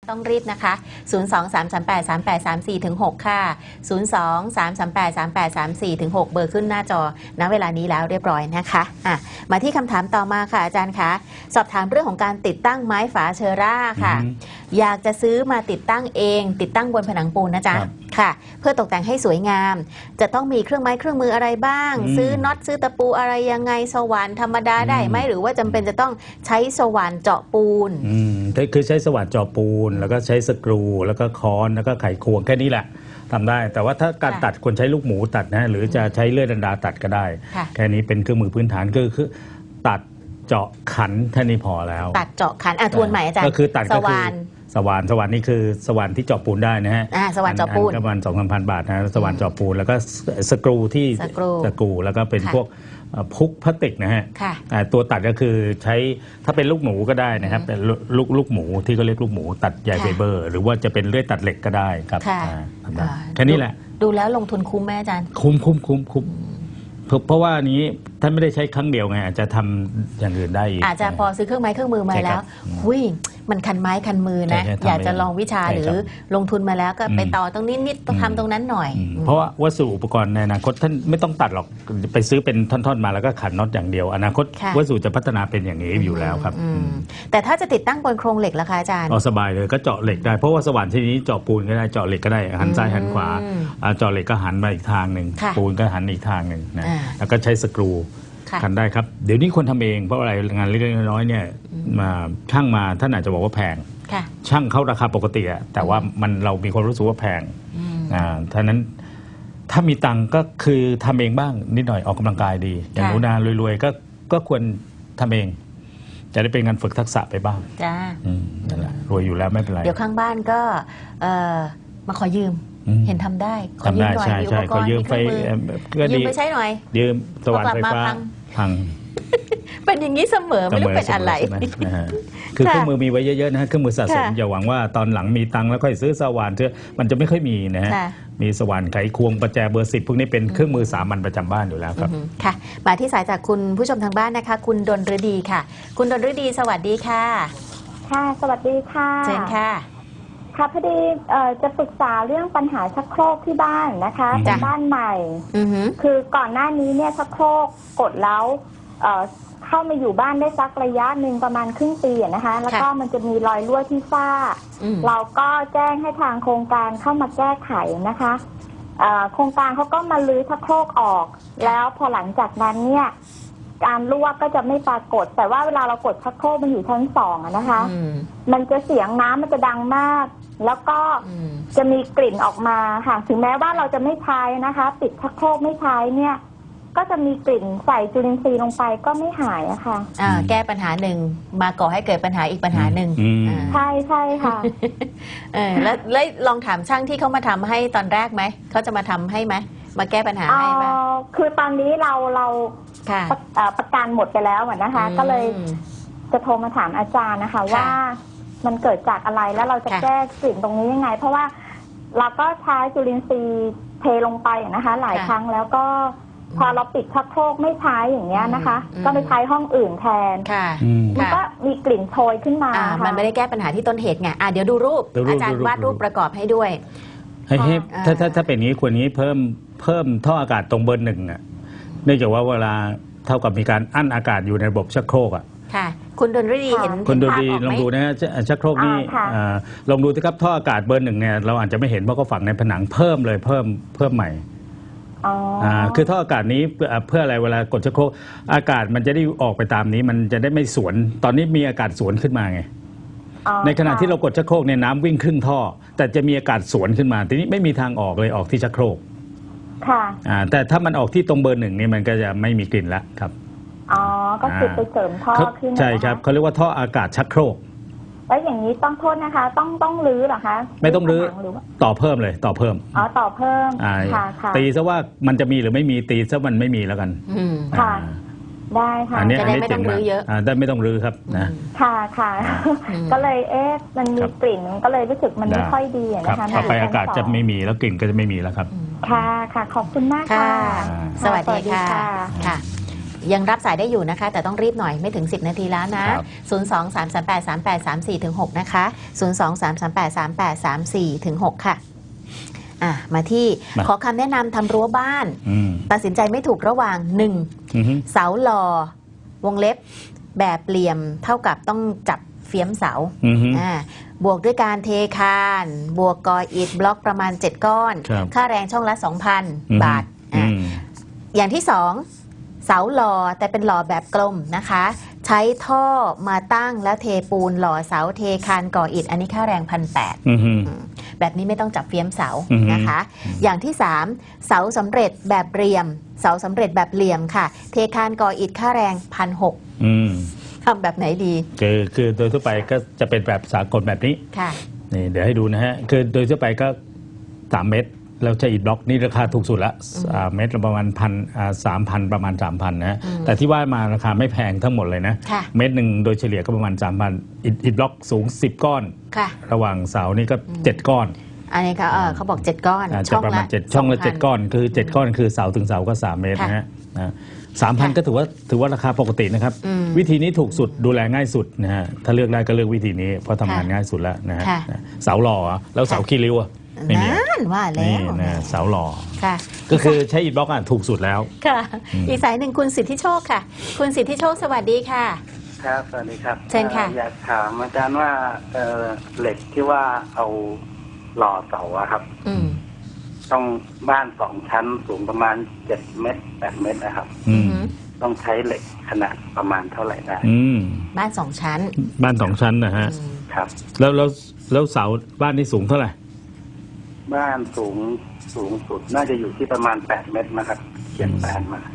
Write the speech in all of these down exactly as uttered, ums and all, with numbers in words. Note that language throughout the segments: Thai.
ต้องรีบนะคะ ศูนย์ สอง สาม สาม แปด สาม แปด สาม สี่ ถึง หก ค่ะ ศูนย์ สอง สาม สาม แปด สาม แปด สาม สี่ ถึง หก เบอร์ขึ้นหน้าจอณเวลานี้แล้วเรียบร้อยนะคะอ่ะมาที่คำถามต่อมาค่ะอาจารย์คะสอบถามเรื่องของการติดตั้งไม้ฝาเชอร่าค่ะอยากจะซื้อมาติดตั้งเองติดตั้งบนผนังปูนนะจ๊ะค่ะเพื่อตกแต่งให้สวยงามจะต้องมีเครื่องไม้เครื่องมืออะไรบ้างซื้อน็อตซื้อตะปูอะไรยังไงสว่านธรรมดาได้ไหมหรือว่าจำเป็นจะต้องใช้สว่านเจาะปูนอืมคือใช้สว่านเจาะปูนแล้วก็ใช้สกรูแล้วก็ค้อนแล้วก็ไขควงแค่นี้แหละทำได้แต่ว่าถ้าการตัดควรใช้ลูกหมูตัดนะหรือจะใช้เลื่อยดันดาตัดก็ได้แค่นี้เป็นเครื่องมือพื้นฐานคือคือตัดเจาะขันแค่นี้พอแล้วตัดเจาะขันอ่ะทวนใหม่อาจารย์ก็คือตัดก็คือสว่านสว่านนี่คือสว่านที่เจาะปูนได้นะฮะอ่าสว่านเจาะปูนประมาณ สองถึงสามพัน บาทนะสว่านเจาะปูนแล้วก็สกรูที่สกรูสกรูแล้วก็เป็นพวกพุกพลาสติกนะฮะตัวตัดก็คือใช้ถ้าเป็นลูกหมูก็ได้นะครับเป็นลูกลูกหมูที่เขาเรียกลูกหมูตัดใยไฟเบอร์หรือว่าจะเป็นเลื่อยตัดเหล็กก็ได้ครับแค่นี้แหละดูแล้วลงทุนคุ้มไหมอาจารย์คุ้มคุ้มคุ้มคุ้มเพราะว่านี้ท่านไม่ได้ใช้ครั้งเดียวไงอาจจะทำอย่างอื่นได้อีกอาจจะพอซื้อเครื่องไม้เครื่องมือมาแล้วหุยมันคันไม้คันมือนะอยากจะลองวิชาหรือลงทุนมาแล้วก็ไปต่อตรงนี้นิดต้องทำตรงนั้นหน่อยเพราะว่าวัสดุอุปกรณ์ในอนาคตท่านไม่ต้องตัดหรอกไปซื้อเป็นท่อนๆมาแล้วก็ขันน็อตอย่างเดียวอนาคตวัสดุจะพัฒนาเป็นอย่างนี้อยู่แล้วครับแต่ถ้าจะติดตั้งบนโครงเหล็กล่ะคะอาจารย์อ๋อสบายเลยก็เจาะเหล็กได้เพราะว่าสว่านชนิดนี้เจาะปูนก็ได้เจาะเหล็กก็ได้หันซ้ายหันขวาเจาะเหล็กก็หันมาอีกทางหนึ่งปูนก็หันอีกทางหนึ่งนะแล้วก็ใช้สกรูขันได้ครับเดี๋ยวนี้คนทำเองเพราะอะไรงานเล็กๆน้อยๆเนี่ยมาช่างมาท่านอาจจะบอกว่าแพงช่างเขาราคาปกติอะแต่ว่ามันเรามีความรู้สึกว่าแพงอ่าท่านั้นถ้ามีตังก็คือทำเองบ้างนิดหน่อยออกกำลังกายดีอย่างหนูนารวยๆก็ก็ควรทำเองจะได้เป็นงานฝึกทักษะไปบ้างจ้านั่นแหละรวยอยู่แล้วไม่เป็นไรเดี๋ยวข้างบ้านก็มาขอยืมเห็นทำได้ขอยืมหน่อยใช่ขอยืมไฟยืมไปใช้หน่อยยืมสว่านไฟฟ้าพังเป็นอย่างนี้เสมอไม่รู้เป็นอะไรคือเครื่องมือมีไว้เยอะๆนะฮะเครื่องมือสะสมอย่าหวังว่าตอนหลังมีตังค์แล้วค่อยซื้อสว่านเถอะมันจะไม่ค่อยมีนะฮะมีสว่านไขควงประแจเบอร์สิบพวกนี้เป็นเครื่องมือสามัญประจำบ้านอยู่แล้วครับค่ะมาที่สายจากคุณผู้ชมทางบ้านนะคะคุณดลฤดีค่ะคุณดลฤดีสวัสดีค่ะค่ะสวัสดีค่ะเชิญค่ะค่ะพอดีจะปรึกษาเรื่องปัญหาชักโครกที่บ้านนะคะเป็นบ้านใหม่คือก่อนหน้านี้เนี่ยชักโครกกดแล้วเข้ามาอยู่บ้านได้สักระยะหนึ่งประมาณครึ่งปีนะคะแล้วก็มันจะมีรอยรั่วที่ฝ้าเราก็แจ้งให้ทางโครงการเข้ามาแก้ไขนะคะโครงการเขาก็มาลื้อชักโครกออกแล้วพอหลังจากนั้นเนี่ยการรั่วก็จะไม่ปรากฏแต่ว่าเวลาเรากดชักโครกมันอยู่ชั้นสองนะคะมันจะเสียงน้ำมันจะดังมากแล้วก็จะมีกลิ่นออกมาค่ะถึงแม้ว่าเราจะไม่ใช้นะคะปิดชักโครกไม่ใช้เนี่ยก็จะมีกลิ่นใส่จุลินทรีย์ลงไปก็ไม่หายอะค่ะอ่าแก้ปัญหาหนึ่งมาก่อให้เกิดปัญหาอีกปัญหาหนึ่งใช่ใช่ค่ะเออแล้วแล้วลองถามช่างที่เขามาทำให้ตอนแรกไหมเขาจะมาทำให้ไหมมาแก้ปัญหาให้ไหมคือตอนนี้เราเราประกันหมดไปแล้วนะคะก็เลยจะโทรมาถามอาจารย์นะคะว่ามันเกิดจากอะไรแล้วเราจะแก้กลิ่นตรงนี้ยังไงเพราะว่าเราก็ใช้จุลินทรีย์เทลงไปนะคะหลายครั้งแล้วก็พอเราปิดชักโครกไม่ใช้อย่างเงี้ยนะคะก็ไปใช้ห้องอื่นแทนมันก็มีกลิ่นโชยขึ้นมามันไม่ได้แก้ปัญหาที่ต้นเหตุไงอ่ะเดี๋ยวดูรูปอาจารย์วาดรูปประกอบให้ด้วยให้ถ้าถ้าถ้าเป็นอย่างนี้ควรนี้เพิ่มเพิ่มท่ออากาศตรงเบอร์หนึ่งอ่ะเนื่องจากว่าเวลาเท่ากับมีการอั้นอากาศอยู่ในระบบชักโครกอ่ะค่ะคุณดลฤดีเห็นคุณดลฤดีลองดูนะฮะชักโครกนี่ลองดูสิครับท่ออากาศเบอร์หนึ่งเนี่ยเราอาจจะไม่เห็นเพราะเขาฝังในผนังเพิ่มเลยเพิ่มเพิ่มใหม่อ่าคือท่ออากาศนี้เพื่ออะไรเวลากดชักโครกอากาศมันจะได้ออกไปตามนี้มันจะได้ไม่สวนตอนนี้มีอากาศสวนขึ้นมาไงในขณะที่เรากดชักโครกเนี่ยน้ำวิ่งครึ่งท่อแต่จะมีอากาศสวนขึ้นมาทีนี้ไม่มีทางออกเลยออกที่ชักโครกค่ะอ่าแต่ถ้ามันออกที่ตรงเบอร์หนึ่งนี่มันก็จะไม่มีกลิ่นละครับอ๋อก็คือไปเสริมท่อขึ้นใช่ครับเขาเรียกว่าท่ออากาศชักโครกแล้วอย่างนี้ต้องโทษนะคะต้องต้องรื้อเหรอคะไม่ต้องรื้อต่อเพิ่มเลยต่อเพิ่มอ๋อต่อเพิ่มค่ะค่ะตีซะว่ามันจะมีหรือไม่มีตีซะมันไม่มีแล้วกันค่ะได้ค่ะอันนี้อันนี้ไม่ต้องรื้อเยอะได้ไม่ต้องรื้อครับนะค่ะค่ะก็เลยเอ๊ะมันมีกลิ่นก็เลยรู้สึกมันไม่ค่อยดีนะคะต่อไปอากาศจะไม่มีแล้วกลิ่นก็จะไม่มีแล้วครับค่ะค่ะขอบคุณมากค่ะสวัสดีค่ะค่ะยังรับสายได้อยู่นะคะ แต่ต้องรีบหน่อยไม่ถึงสิบนาทีแล้วนะ ศูนย์ สอง สาม สาม แปด สาม แปด สาม สี่ ถึง หก นะคะ ศูนย์ สอง สาม สาม แปด สาม แปด สาม สี่ ถึง หก ค่ะอ่ะ มาที่ขอคำแนะนำทำรั้วบ้านตัดสินใจไม่ถูกระหว่างหนึ่งเสาหล่อวงเล็บแบบเหลี่ยมเท่ากับต้องจับเฟี้ยมเสาอ่าบวกด้วยการเทคานบวกกออิฐบล็อกประมาณเจ็ดก้อนค่าแรงช่องละ สองพัน บาทอ่าอย่างที่สองเสาหล่อแต่เป็นหล่อแบบกลมนะคะใช้ท่อมาตั้งแล้วเทปูนหล่อเสาเทคานก่ออิฐอันนี้ค่าแรงพันแปดแบบนี้ไม่ต้องจับเฟี้ยมเสานะคะอย่างที่สามเสาสำเร็จแบบเรียมเสาสำเร็จแบบเหลี่ยมค่ะเทคานก่ออิฐค่าแรงพันหกทำแบบไหนดีคือคือโดยทั่วไปก็จะเป็นแบบสากลแบบนี้ค่ะนี่เดี๋ยวให้ดูนะฮะคือโดยทั่วไปก็สามเมตรแล้วใช้อิฐบล็อกนี่ราคาถูกสุดละเมตรประมาณพันสามพันประมาณสามพันนะฮะแต่ที่ว่ามาราคาไม่แพงทั้งหมดเลยนะเมตรหนึ่งโดยเฉลี่ยก็ประมาณสามพันอิฐบล็อกสูงสิบก้อนระหว่างเสานี่ก็เจ็ดก้อนอันนี้เขาเขาบอกเจ็ดก้อนช่องละเจ็ดช่องละเจ็ดก้อนคือเจ็ดก้อนคือเสาถึงเสาก็สามเมตรนะฮะสามพันก็ถือว่าถือว่าราคาปกตินะครับวิธีนี้ถูกสุดดูแลง่ายสุดนะฮะถ้าเลือกได้ก็เลือกวิธีนี้เพราะทำงานง่ายสุดแล้วนะฮะเสาหล่อแล้วเสาขี้ริ้วนั่นว่าแล้วนี่นะเสาหล่อก็คือใช้อิฐบล็อกอ่ะถูกสุดแล้วค่ะอีกสายหนึ่งคุณสิทธิโชคค่ะคุณสิทธิโชคสวัสดีค่ะครับสวัสดีครับเชิญค่ะอยากถามอาจารย์ว่าเหล็กที่ว่าเอาหล่อเสาอะครับต้องบ้านสองชั้นสูงประมาณเจ็ดเมตรแปดเมตรนะครับต้องใช้เหล็กขนาดประมาณเท่าไหร่ได้บ้านสองชั้นบ้านสองชั้นนะฮะครับแล้วแล้วแล้วเสาบ้านนี้สูงเท่าไหร่บ้านสูงสูงสุดน่าจะอยู่ที่ประมาณแปดเมตรนะครับเขียนแปดมา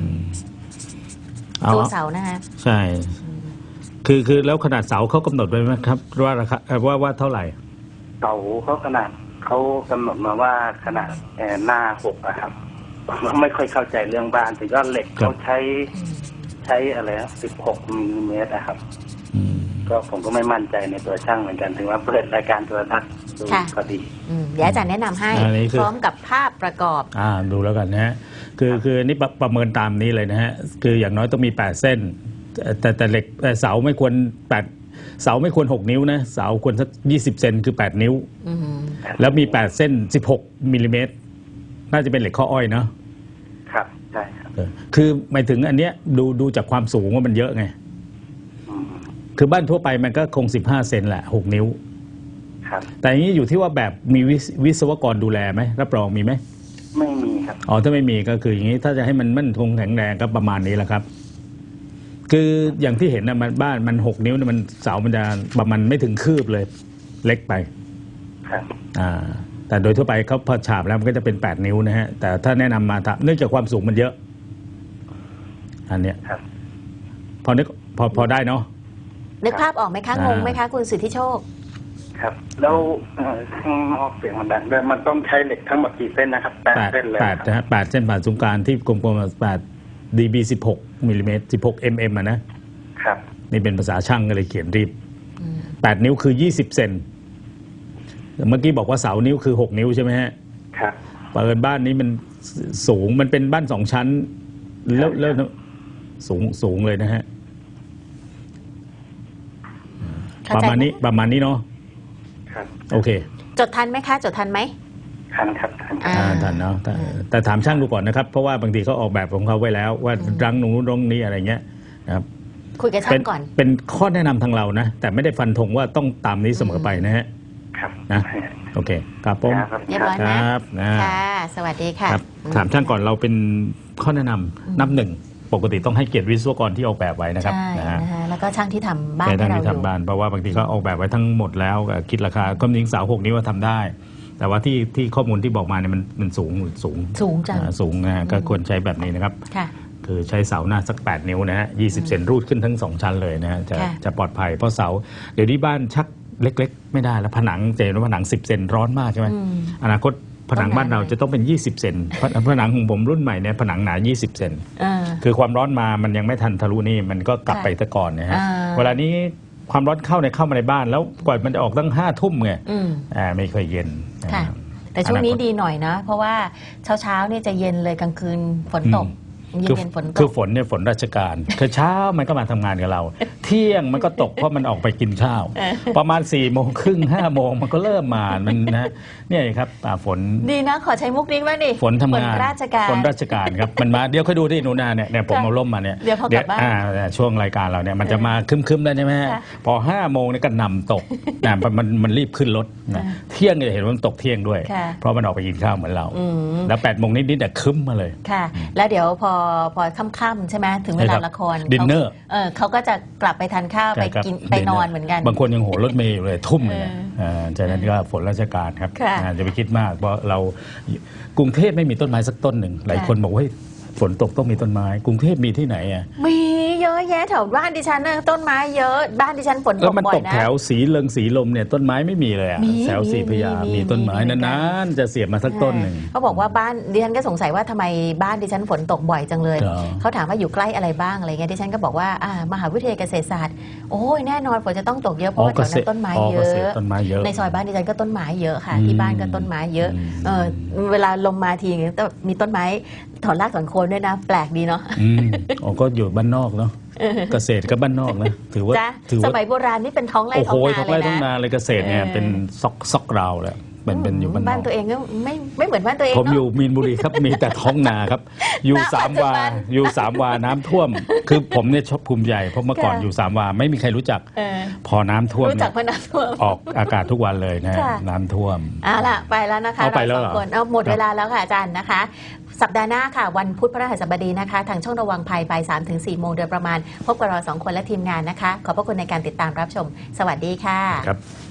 ตัวเสานะฮะใช่คือคือแล้วขนาดเสาเขากำหนดไว้ไหมครับว่าราคาว่าว่าเท่าไหร่เสาเขาขนาดเขากำหนดมาว่าขนาดหน้าหกอะครับผมไม่ค่อยเข้าใจเรื่องบ้านแต่ก็เหล็กเขาใช้ใช้อะไรสิบหกมิลลิเมตรนะครับก็ผมก็ไม่มั่นใจในตัวช่างเหมือนกันถึงว่าเปิดรายการโทรทัศน์ดูก็ดีเดี๋ยวอาจารย์แนะนำให้พร้อมกับภาพประกอบอ่าดูแล้วกันนะฮะคือคือนี่ประเมินตามนี้เลยนะฮะคืออย่างน้อยต้องมีแปดเส้นแต่แต่เหล็กเสาไม่ควรแปดเสาไม่ควรหกนิ้วนะเสาควรสักยี่สิบเซนคือแปดนิ้วแล้วมีแปดเส้นสิบหกมิลลิเมตรน่าจะเป็นเหล็กข้ออ้อยเนาะครับใช่ครับคือหมายถึงอันเนี้ยดูดูจากความสูงว่ามันเยอะไงคือบ้านทั่วไปมันก็คงสิบห้าเซนแหละหกนิ้วครับแต่อย่างนี้อยู่ที่ว่าแบบมีวิศวกรดูแลไหมรับรองมีไหมไม่มีครับอ๋อถ้าไม่มีก็คืออย่างนี้ถ้าจะให้มันมั่นคงแข็งแรงก็ประมาณนี้แหละครับคืออย่างที่เห็นนะมันบ้านมันหกนิ้วมันเสามันจะประมาณไม่ถึงคืบเลยเล็กไปครับอ่าแต่โดยทั่วไปเขาพอฉาบแล้วมันก็จะเป็นแปดนิ้วนะฮะแต่ถ้าแนะนำมาเนื่องจากความสูงมันเยอะอันเนี้ยพอนึกพอพอได้เนาะนึกภาพออกไหมคะงงไหมคะคุณสิทธิโชคครับแล้วข้างนอกเสียงมันดังด้วยมันต้องใช้เหล็กทั้งหมดกี่เส้นนะครับแปดเส้นเลยแปดนะฮะแปดเส้นผ่านศูนย์กลางที่กลมๆแปดดีบีสิบหกมิลลิเมตรสิบหกเอ็มเอ็มอ่ะนะครับนี่เป็นภาษาช่างก็เลยเขียนรีบแปดนิ้วคือยี่สิบเซนเมื่อกี้บอกว่าเสานิ้วคือหกนิ้วใช่ไหมฮะครับเปิดบ้านนี้มันสูงมันเป็นบ้านสองชั้นแล้วแล้วสูงสูงเลยนะฮะประมาณนี้ประมาณนี้เนาะครับโอเคจดทันไหมคะจดทันไหมทันครับทันทันเนาะแต่ถามช่างดูก่อนนะครับเพราะว่าบางทีเขาออกแบบของเขาไว้แล้วว่ารังนู้นรังนี้อะไรเงี้ยนะครับคุยกับช่างก่อนเป็นข้อแนะนำทางเรานะแต่ไม่ได้ฟันธงว่าต้องตามนี้เสมอไปนะฮะครับนะโอเคครับผมเรียบร้อยนะค่ะสวัสดีค่ะถามช่างก่อนเราเป็นข้อแนะนำนับหนึ่งปกติต้องให้เกียรติวิศวกรที่ออกแบบไว้นะครับนะฮะแล้วก็ช่างที่ทำบ้านให้เราที่ทำบ้านเพราะว่าบางทีเขาออกแบบไว้ทั้งหมดแล้วคิดราคาก็จริงเสาหกนิ้วว่าทำได้แต่ว่าที่ที่ข้อมูลที่บอกมาเนี่ยมันมันสูงสูงสูงจังสูงนะก็ควรใช้แบบนี้นะครับคือใช้เสาหน้าสักแปดนิ้วนะฮะยี่สิบเซนรูดขึ้นทั้งสองชั้นเลยนะฮะจะจะปลอดภัยเพราะเสาเดี๋ยวนี้บ้านชักเล็กๆไม่ได้แล้วผนังเจนว่าผนังสิบเซนร้อนมากใช่ไหมอนาคตผนังบ้านเราจะต้องเป็นยี่สิบเซนผนังของผมรุ่นใหม่เนี่ยผนังหนายี่สิบเซนคือความร้อนมามันยังไม่ทันทะลุนี่มันก็กลับไปตะก่อนนะฮะเวลานี้ความร้อนเข้าในเข้ามาในบ้านแล้วกว่ามันจะออกตั้งห้าทุ่มไงอ่าไม่เคยเย็นแต่ช่วงนี้ดีหน่อยนะเพราะว่าเช้าเช้าเนี่ยจะเย็นเลยกลางคืนฝนตกคือคือฝนเนี่ยฝนราชการคือเช้ามันก็มาทำงานกับเรา เที่ยงมันก็ตกเพราะมันออกไปกินข้าวประมาณสี่โมงครึ่งห้าโมงมันก็เริ่มมามันนะเนี่ยครับฝนดีนะขอใช้มุกนี้บ้างดิฝนทำงานราชการฝนราชการครับมันมาเดี๋ยวค่อยดูที่หนูนาเนี่ยเนี่ยผมเอาล่มมาเนี่ยเดี๋ยวพอกลับบ้านช่วงรายการเราเนี่ยมันจะมาคึมๆแล้วใช่ไหมพอห้าโมงเนี่ยก็นำตกนะมันมันรีบขึ้นรถเที่ยงเนี่ยเห็นว่ามันตกเที่ยงด้วยเพราะมันออกไปกินข้าวเหมือนเราแล้วแปดโมงนิดๆแต่คึ้มมาเลยค่ะแล้วเดี๋ยวพอพอค่ำๆใช่ไหมถึงเวลาละครดินเนอร์เออเขาก็จะกลับไปทานข้าวไปกินไปนอนเหมือนกันบางคนยังโหรถเมย์อยู่เลยทุ่มเลยจากนั้นก็ฝนราชการครับจะไปคิดมากเพราะเรากรุงเทพไม่มีต้นไม้สักต้นหนึ่งหลายคนบอกว่าฝนตกต้องมีต้นไม้กรุงเทพมีที่ไหนอ่ะมีเยอะแยะแถวบ้านดิฉันนะต้นไม้เยอะบ้านดิฉันฝนตกบ่อยนะแล้วมันตกแถวสีเลิงสีลมเนี่ยต้นไม้ไม่มีเลยอ่ะแถวสีพญามีต้นไม้นานๆจะเสียบมาสักต้นหนึ่งเขาบอกว่าบ้านดิฉันก็สงสัยว่าทำไมบ้านดิฉันฝนตกบ่อยจังเลยเขาถามว่าอยู่ใกล้อะไรบ้างอะไรเงี้ยดิฉันก็บอกว่าอ่ามหาวิทยาลัยเกษตรศาสตร์โอ้ยแน่นอนฝนจะต้องตกเยอะเพราะว่าแถวนั้นต้นไม้เยอะในซอยบ้านดิฉันก็ต้นไม้เยอะค่ะที่บ้านก็ต้นไม้เยอะเออเวลาลมมาทีก็มีต้นไม้ถอนรากถอนโคนด้วยนะแปลกดีเนาะอ๋อก็อยู่บ้านนอกเนาะเกษตรก็บ้านนอกนะถือว่าถือว่าสมัยโบราณนี่เป็นท้องไร่ท้องนาเลยนะท้องไร่ท้องนาเลยเกษตรเนี่ยเป็นซอกซอกราวเลยเป็นเป็นอยู่บ้านบ้านตัวเองก็ไม่ไม่เหมือนบ้านตัวเองผมอยู่มีนบุรีครับมีแต่ท้องนาครับอยู่สามวาอยู่สามวาน้ำท่วมคือผมเนี่ยชอบภูมิใจเพราะเมื่อก่อนอยู่สามวาไม่มีใครรู้จักพอน้ำท่วมรู้จักเพราะน้ำท่วมออกอากาศทุกวันเลยนะน้ำท่วมเอาล่ะไปแล้วนะคะเอาไปแล้วคนเอาหมดเวลาแล้วค่ะอาจารย์นะคะสัปดาห์หน้าค่ะวันพุธพฤหัสบดีนะคะทางช่องระวังภัยบ่ายสามถึงสี่โมงโดยประมาณพบกับเราสองคนและทีมงานนะคะขอบพระคุณในการติดตามรับชมสวัสดีค่ะครับ